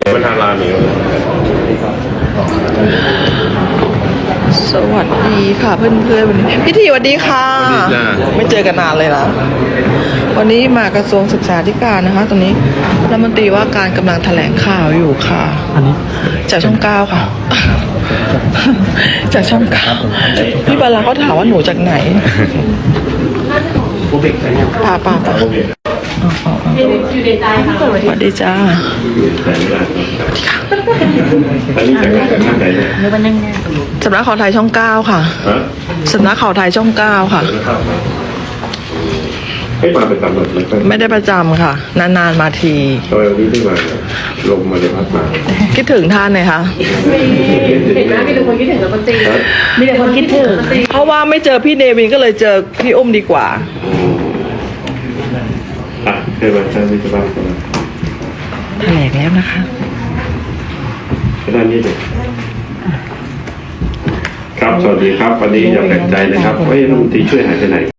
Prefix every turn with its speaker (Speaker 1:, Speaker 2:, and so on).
Speaker 1: เป็นทางร้านนี้
Speaker 2: สวัสดีค่ะเพื่อนๆวันนี้พี่ทีสวัสดีค่ะไม่เจอกันนานเลยนะวันนี้มากระทรวงศึกษาธิการนะคะตอนนี้รัฐมนตรีว่าการกำลังแถลงข่าวอยู่ค่ะอันนี้จากช่อง9ค่ะจากช่อง9พี่บาลาเขาถามว่าหนูจากไหนป่า
Speaker 3: อยู่ในใจค่ะ
Speaker 2: สวัสดีจ้า
Speaker 1: อันนี้จากไหนเนี่ย
Speaker 2: สำนักข่าวไทยช่อง9ค่ะสำนักข่าวไทยช่อง9ค่ะ
Speaker 1: ให้มาเป็นตำรวจเลย
Speaker 2: ไม่ได้ประจำค่ะนานๆมาที
Speaker 1: ทำไมวันนี้ไม่มาลงมาเลยพัดมา
Speaker 2: คิดถึงท่านเลยค่ะ
Speaker 3: เห็นไหมมีแต่คนคิดถึงรัฐมนตรีมีแต่คนคิดถึง
Speaker 2: เพราะว่าไม่เจอพี่เนวินก็เลยเจอพี่อุ้มดีกว่า
Speaker 1: เคยมาใช่ไหมจะบ้าง
Speaker 2: แถลงแล้วนะคะ
Speaker 1: ด้านนี้เลยครับสวัสดีครับวันนี้อย่าแปลกใจนะครับว่ารัฐมนตรีช่วยหายไปไหน